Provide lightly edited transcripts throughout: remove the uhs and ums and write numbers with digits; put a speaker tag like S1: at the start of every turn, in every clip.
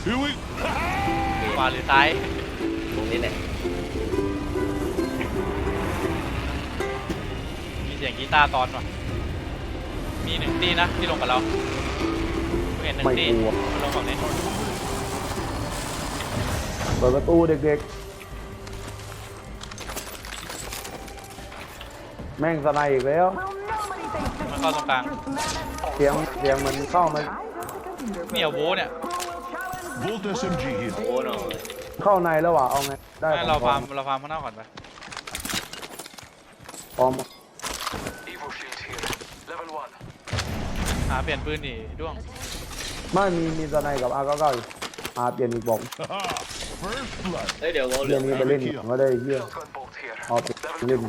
S1: ขวาหรือซ้าย
S2: ตรงนี้แหละ
S1: มีเสียงกีตาร์ตอนว่ะมีหนึ่งตีนะที่ลงกับเราเห็นหนึ่งตีลงแบบนี้
S3: เปิดประตูเด็กๆแม่งสไนอีกแล้ว
S1: มันเข้าตรงกลาง
S3: เสียงมันเข้ามา
S1: เนี่ยโว้เนี่ย
S2: โอ้หน่อย
S3: เข้าในแล้วว่ะเอาไงได้
S1: เราฟาร์มข้างนอกก่อนไป
S3: พร้อม
S1: หาเปลี่ยนปืนดิด้วง
S3: ไม่มีสไนกับR99อยู่เปลี่ยนอีกบอก
S2: เฮ้ยเดี๋ยว
S3: เรื่องนี้ไปเล่นก็ได้เยี่ยเอาไปเล่น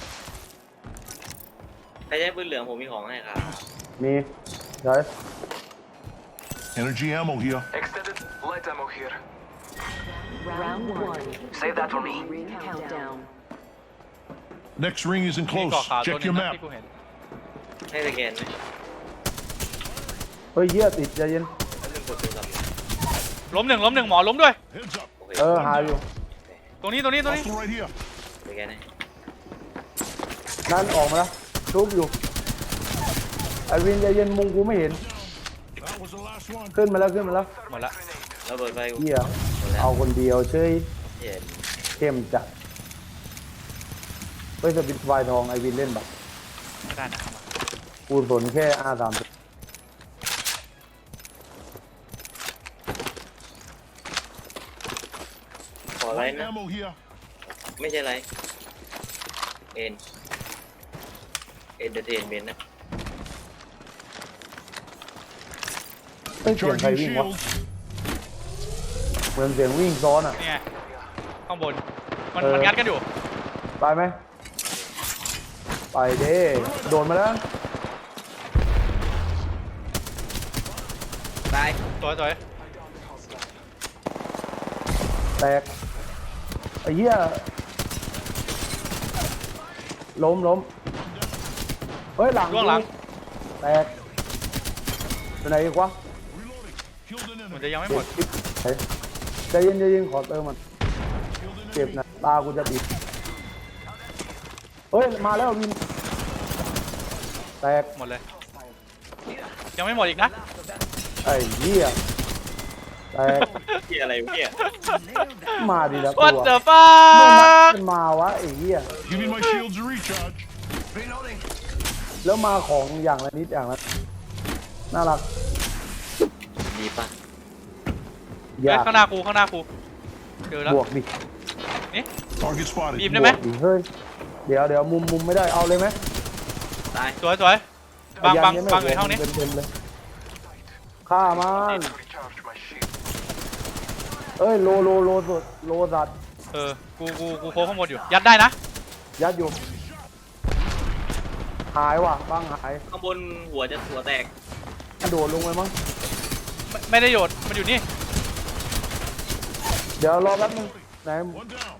S2: ใครใช้ปืนเหลืองผมมีของให้ครับ
S3: มีใช่
S4: Energy ammo here.
S5: Extended light ammo here.
S6: Round 1.
S5: Save that for me.
S6: Ring countdown.
S4: Next ring isn't
S1: มี
S4: close.
S1: เกาะขาวตัว
S4: Check
S1: นึง
S4: your
S1: นะ
S4: map.
S1: ที่กูเห็น
S2: ให้สแกนไหม
S3: เฮ้ยเยี่ยติดใจเย็น
S2: แล้วมึงกดโทรศัพท์
S1: ล้มหนึ่งหมอล้มด้วย
S4: Heads up.
S2: โอเค
S3: หาอยู่
S1: ตรงนี้
S4: Hostile right here.
S2: สแกนให้
S3: นั่นออกมาแล้วทุบอยู่ไอวินใจเย็นมุงกูไม่เห็น
S4: That was the last one.
S3: ขึ้นมาแล้ว
S1: หมดละ
S2: ระเบิดไฟกู
S3: เยี่ย
S2: หมดแล้ว
S3: เอาคนเดียวเฉย
S2: เย็น
S3: เข้มจัดเฮ้ยสปิดไฟทองไอวินเล่นแบบ
S1: ไม่ได้นะเอามา
S3: กูสนแค่R30
S2: ขออะไร
S4: Light
S2: นะ
S4: ammo here.
S2: ไม่ใช่ไรเอนเตอร์เทนเมนต์นะ
S3: เฮ้ยเสียงใคร
S4: Charging
S3: วิ่งวะ
S4: shields.
S3: เหมือนเสียงวิ่งซ้อนอ่ะ
S1: นี่ไงข้างบนมันงัดกันอยู่
S3: ไปไหมไปเด้โดนมาแล้ว
S2: ตาย
S1: สวย
S3: แตกไอ้เหี้ยล้มเฮ้ยหลัง
S1: ด้วงหลัง
S3: แตกไปไหนอีกวะ
S4: Reloading. Killed an
S1: มัน
S4: enemy.
S1: จะยังไม่หมด
S3: ใจเย็นขอเติมมันเจ็บนะตากูจะปิดเฮ้ยมาแล้ววินแตก
S1: หมดเลยยังไม่หมดอีกนะ
S3: ไอ้เหี้ยแตก
S2: ที่อะไรวะเนี่ย
S3: มาดีแล้ว
S1: What
S3: ตัว
S1: the
S3: ไม่นัด
S1: fuck
S3: มันมาวะไอ้เหี้ย
S4: Give me my shields to recharge.
S5: Reloading.
S3: แล้วมาของอย่างละนิดอย่างละน่ารัก
S2: ดีปะ
S3: อยาก
S1: ข้างหน้ากูเจอแล้ว
S3: บวกดิ
S4: Target spotted.
S1: บีมได้ไหม
S3: บวกดิเฮ้ยเดี๋ยวมุมไม่ได้เอาเลยไหม
S2: ตาย
S1: สวยบางอยู่ห้องนี้
S3: เต็มเลยฆ่ามัน
S5: Recharge my shield.
S3: เอ้ยโลสัตว์
S1: กูโค้งข้างบนอยู่ยัดได้นะ
S3: ยัดอยู่หายว่ะบ้างหาย
S2: ข้างบนหัวแตก
S3: กระโดดลงไปมั้ง
S1: ไม่ได้โยดมันอยู่นี่
S3: เดี๋ยวรอแป๊บนึงไหน
S4: One down.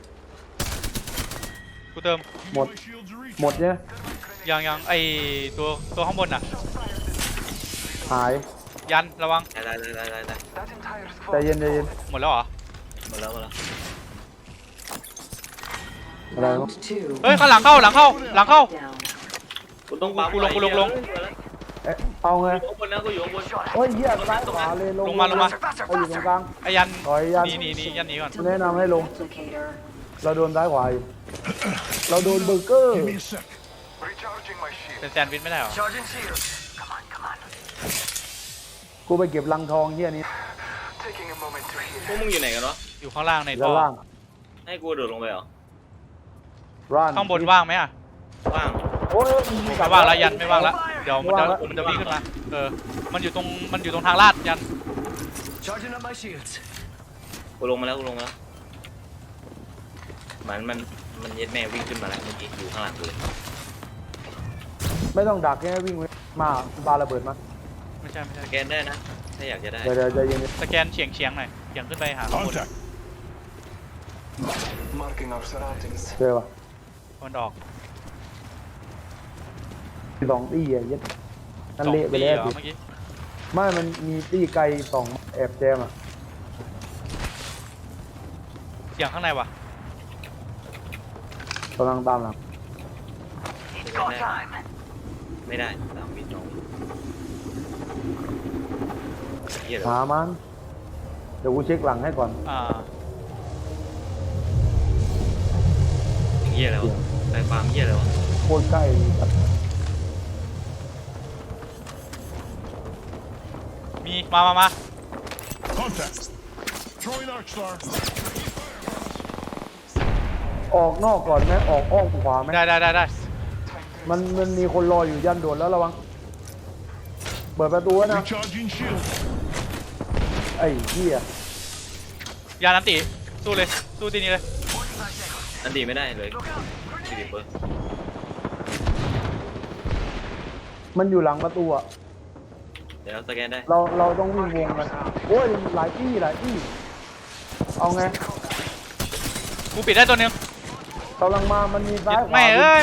S1: กูเติม
S4: Give me
S3: Một.
S4: my shields to recharge.
S3: หมดเนี่ย
S1: ยังไอตัวข้างบนน่ะ
S3: หาย
S1: ยันระวัง
S2: ตาย
S5: That entire
S3: ใจ
S5: squad.
S3: เย็น
S1: หมดแล้วเหรอ
S2: หมดแล้ว
S3: อะไร
S6: Round
S3: วะ
S6: 2.
S1: เฮ้ยข้างหลังเข้า
S6: Down.
S2: กูต้องปั๊ม
S1: กูลง
S3: เอ๊ะเอาไง
S2: อยู่ข้างบนนะกูอยู่ข้างบน
S3: เฮ้ยเหี้ยซ้ายขวาเลยลง
S1: ลงมา
S3: เอาอยู่ตรงกลาง
S1: ไอยัน
S3: ถอยยัน
S1: นี่ยันหนีก่อน
S3: แนะนำให้ลง
S6: Replicator.
S3: เราโดนซ้ายขวาอยู่เราโดนเบอร์เกอร์
S4: Give me a sec.
S5: Recharging my shield.
S1: เป็นแซนด์วิชไม่ได้เหรอ
S5: Charging shield. Come on.
S3: กูไปเก็บลังทองเหี้ยนี้
S5: Taking a moment to
S2: พวก
S5: heal.
S2: มึงอยู่ไหนกันวะ
S1: อยู่ข้างล่างใน
S3: ด้า
S1: ท่
S3: น
S1: อ
S3: ล่าง
S2: ให้กูโดดลงไปเหรอ
S3: ร้าน
S1: ข้างบนว่างไหมอ่ะ
S2: ว่าง
S3: โอ้ย
S1: ไม่ว่างแล้วยันไม่ว่างแล้วเดี๋ยวมันจะวิ่งขึ้นมามันอยู่ตรงทางลาดยัน
S5: Charging up my shields.
S2: กูลงมาแล้วมันเย็ดแม่วิ่งขึ้นมาแล้วเมื่อกี้อยู่ข้างหลังกูเลย
S3: ไม่ต้องดักแค่วิ่งไว้มาปาระเบิดมา
S1: ไม่ใช่
S2: สแกนได้นะถ้าอยากจะได้
S3: เดี๋ยวใจเย็น
S1: สแกนเฉียงหน่อยเฉียงขึ้นไปหาข้างบน
S4: Contact.
S5: Marking our surroundings.
S3: เจอป่ะ
S1: มันออก
S3: สองตีอ่ะยัดนั่นเละไปแล้ว
S1: 2 ตีเหรอ
S3: สิ
S1: เมื่อกี้
S3: ไม่มันมีตีไกลสองแอบแจมอ่ะ
S1: สียงข้างในวะ
S3: กำลังตามหลัง
S5: It's go time.
S2: ไม่ได้ตามมิดน้องเหี้ยเหรอ
S3: หามันเดี๋ยวกูเช็คหลังให้ก่อน
S2: เหี้ยแล้วสายฟาร์มเหี้ยแล้ว
S3: โคตรใกล้
S1: มีมา
S4: Contact. Throwing Arc Star.
S3: ออกนอกก่อนไหมออกอ้อมขวาไหม
S1: ได้
S3: มันมีคนรออยู่ยันโดดแล้วระวังเปิดประตูไว้นะ
S4: Recharging shield.
S3: ไอ้เหี้ย
S1: ยานันติสู้เลยสู้ทีนี้เลย
S2: อันดีไม่ได้เลยชีวิตเปิร์
S3: มันอยู่หลังประตูอะ
S2: เดี๋ยวสแกนได้
S3: เราต้องวิ่งวงกันโอ้ยหลายที่เอาไง
S1: กูปิดได้ตัวหนึง
S3: กำลังมามันมีซ้ายขวา
S1: แม่เอ้ย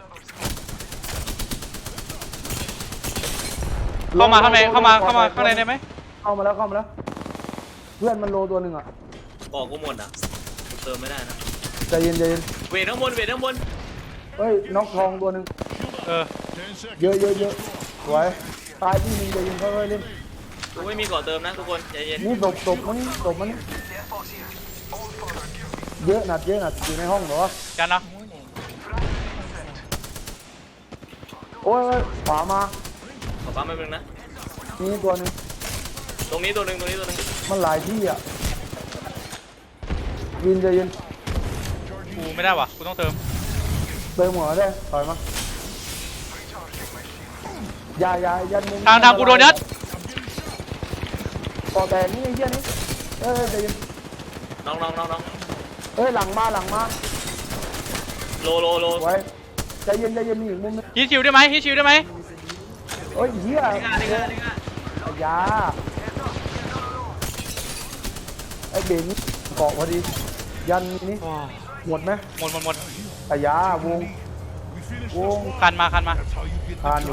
S1: เข้ามาข้างในข้างในได้ไหม
S3: เข้ามาแล้วเพื่อนมันโลตัวหนึ่งอะ
S2: บอกกูหมดอ่ะกูเติมไม่ได้นะ
S3: ใจเย็น
S2: เวทข้างบนเวทข้างบน
S3: เฮ้ยน็อกทองตัวหนึ่ง
S4: 10 seconds.
S3: เยอะสวยตายที่หนึ่งใจเย็นค่อยๆเล่น
S2: กูไม่มีก่อเติมนะทุกคนใจเย็น
S3: นี่ตบมันเยอะหนัดอยู่ในห้องเหรอ
S1: กันเนาะ
S3: โอ้ยขวามา
S2: ขอปั๊มแป๊บนึงนะ
S3: นี่ตัวหนึ่ง
S2: ตรงนี้ตัวหนึ่ง
S3: มันหลายที่อ่ะวินใจเย็น
S1: กูไม่ได้วะกูต้องเติม
S3: เติมหัวได้ถอยมาอย่ายันมุม
S1: ทางกูโดนยัด
S3: ต่อแต่นี่ไอ้เหี้ยนี่ใจเย็น
S2: น้อง
S3: หลังมา
S2: โล
S3: ไว้ใจเย็นมีอีกมุมนึง
S1: ฮีชิวได้ไหมฮีชิวได้ไหม
S3: เหี้ย
S2: นี่ง่ะ
S3: ยาไอ้เบนเกาะพอดียันนี่หมดไหม
S1: หมด
S3: อายาวง
S4: We finished
S3: ว
S4: this
S3: ง
S4: one.
S1: คันมา
S4: That's how you get
S3: คานอยู่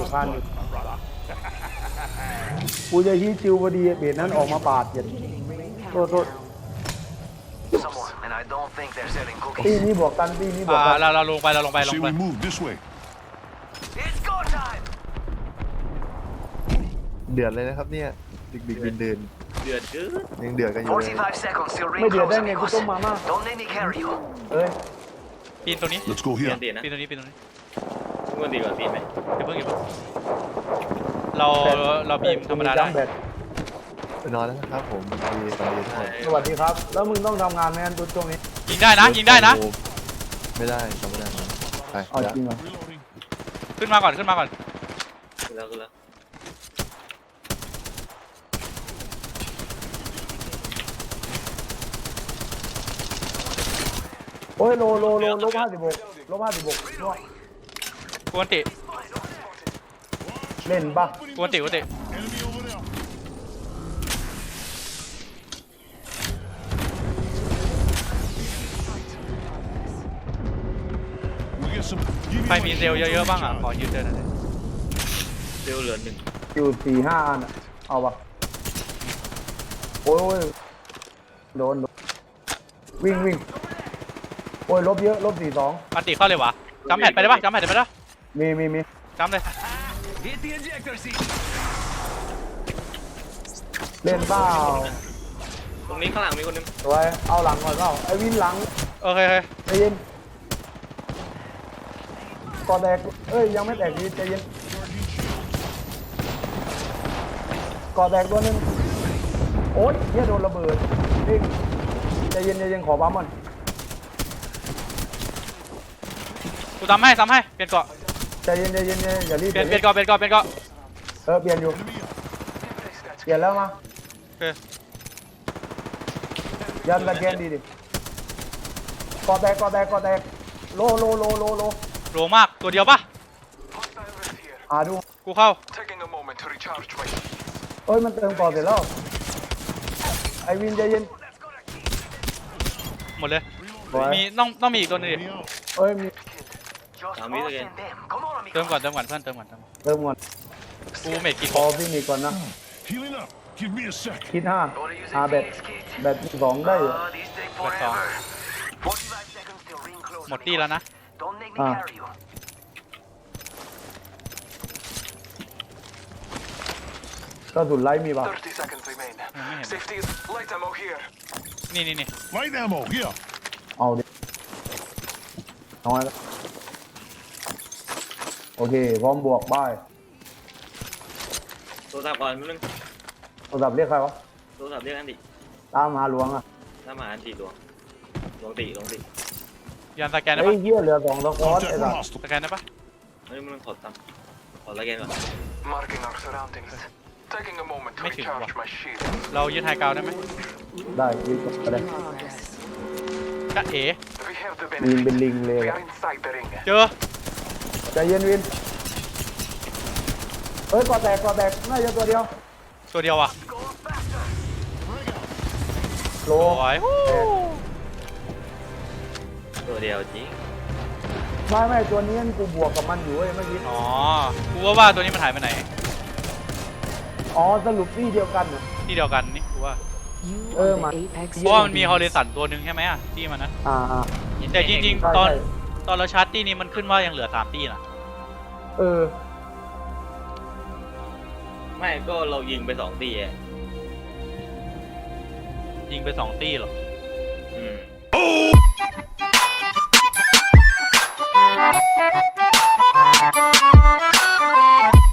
S3: กูจะฮีชิวพอดีเบนนั้นออกมาปาดเจ็ดโทษ
S5: Someone, and I don't think they're selling
S3: ตี
S5: cookies.
S3: นี้บวกกันตีนี้บวกกัน
S1: เราลงไป
S4: Say we move this way.
S5: It's go time.
S7: เดือดเลยนะครับเนี่ยดึกเดิน
S2: เดือดเกิน
S7: ยังเดือดกันอยู่เลย
S5: 45 seconds till
S3: ไม่
S5: ring
S3: เดือด
S5: close,
S3: ได้ไงกู
S5: amigos.
S3: ต้มมาม่า
S5: Don't let me carry you.
S3: เอ้ย
S1: ปีนตัวนี้
S4: Let's go
S2: เปลี่ย
S4: here.
S2: นตีนะ
S1: ปีนตัวนี้
S2: ทุกคนตีก่อนปีนไหม
S1: อย่าเพิ่งเราบีมธรรมดาได้
S7: ไปนอนแล้วนะครับผมสวัสดีทุกคน
S3: สวัสดีครับ แล้วมึงต้องทำงานไหมอันช่วงนี้
S1: ยิงได้นะ
S7: ไม่ได้ทำไม่ได้ไป
S3: เอาจริงเหรอ
S4: Reloading.
S1: ขึ้นมาก่อน
S2: ขึ้นแล้ว
S3: โอ้ยโลลบ56
S1: กวนติ
S3: เล่นปะ
S1: กวนติ
S4: Enemy over there. We get some. Give
S1: ใคร
S4: me
S1: มี
S4: my
S1: เซลล์
S4: shields
S1: เยอะ
S2: Dạ,
S1: ๆบ้างอ่ะ ขอยืมเจอหน่อย
S2: เซลล์เหลือ1
S3: อยู่4-5 อันอะเอาปะโอ้ยโดนวิ่งโอ้ยลบเยอะลบ42
S1: อันติเข้าเลยวะจำแผ่นไปได้ปะ
S3: มี
S1: จำเลย
S5: Hit the ejector seat.
S3: เล่นเปล่า
S2: ตรงนี้ข้างหลังมีคนนึง
S3: สวยเอาหลังก่อนเปล่าไอ้วินหลัง
S1: โอเค
S3: ใจเย็นก่อแตกยังไม่แตกดีใจเย็นก่อแตกตัวนึงโอ๊ยเฮียโดนระเบิดนี่ใจเย็นขอปั๊มมัน
S1: กูซ้ำให้ เปลี่ยนเกาะ
S3: ใจเย็นอย่ารีบ
S1: เปลี่ยนเกาะ
S3: เปลี่ยนอยู่เปลี่ยนแล้วมา
S1: โอเค
S3: ยันตะแกนดีดิก่อแตกโล
S1: โลมาก ตัวเดียวปะ
S5: Hostile rift here.
S3: หาดู
S1: กูเข้า
S5: Taking a moment to recharge my shields.
S3: มันเติมก่อเสร็จแล้วไอวินใจเย็น
S1: หมดเลย
S3: สวย
S1: มีต้องมีอีกตัวหนึงดิ
S4: me out.
S3: มี
S5: Just
S2: Now, me
S5: us
S2: again.
S5: and them. Come on,
S1: เติม
S5: amigos.
S1: ก่อนเพื่อนเติมก่อน
S3: เติมก่อน
S1: กูเมทกี่
S3: พอพี่นี่ก่อนนะ
S4: Healing up. Give me a sec.
S3: คิด5
S5: Gotta use
S3: หา
S5: a
S3: แบต
S5: Phoenix kit.
S3: 2ได้อยู่
S5: These take forever. 45 seconds till ring close.
S1: หมดที่แล้วนะ
S5: Don't make me
S3: Ah.
S5: carry you.
S3: กระสุนไล่มีป่ะ
S5: 30 seconds remain.
S1: ไม่เห็น
S5: Safety is light ammo here.
S1: นี่
S4: Light ammo, here.
S3: เอาดิน้อยแล้วโอเคพร้อมบวกบ้าย
S2: โทรศัพท์ก่อนมึง
S3: โทรศัพท์เรียกใครวะ
S2: โทรศัพท์เรียกอันติ
S3: ตามหาหลวงอ่ะ
S2: ถ้ามาอันติหลวงหลวงติหลวงติ
S1: ยันสแกนได้
S3: ไอ้
S1: ปะ
S3: เหี้ยเหลือ2ตะกอน
S4: Contact
S3: ไอ้
S4: with
S3: สัส
S4: hostile.
S1: สแกนได้ปะ
S2: เฮ้ยมึงขอตามขอละแกนก่อน
S5: Marking our surroundings. Taking a moment to
S1: Make it
S5: recharge
S1: work.
S5: my shield.
S1: เรายึดไฮกราวด์ได้ไหม
S3: ได้ยิงก็ได้
S6: Progress.
S1: กะเอ๋
S5: We have the
S3: ยิงเป็น
S5: benefit.
S3: ลิงเลย
S5: We are inside the ring.
S1: เจอ
S3: ใจเย็นวินเฮ้ยก่อแตกน่าจะตัวเดียว
S1: ตัวเดียวอ่ะ
S5: Go faster.
S3: โล
S1: สวยฮู้
S2: ตัวเดียวจริง
S3: ไม่ตัวนี้กูบวกกับมันอยู่เว้ยเมื่อกี้
S1: อ๋อกูว่าตัวนี้มันหายไปไหน
S3: อ๋อสรุปที่เดียวกันน่ะ
S1: ที่เดียวกันนี่กูว่า
S6: You
S3: Oh,
S6: are
S3: man.
S6: the apex
S1: เพราะว่ามันมีฮอลเล
S6: champions.
S1: สันตัวหนึ่งใช่ไหมอ่ะที่มันนะ
S3: อ่า
S1: แต่จริง
S3: ใช่
S1: ๆ ตอน
S3: ใช่
S1: ตอนเราชาร์จตี้นี้มันขึ้นว่ายังเหลือ3ตี้นะ
S3: เออ
S2: ไม่ก็เรายิงไป2 ตีอ่ะ
S1: ยิงไป2ตี้หรอ
S2: อืม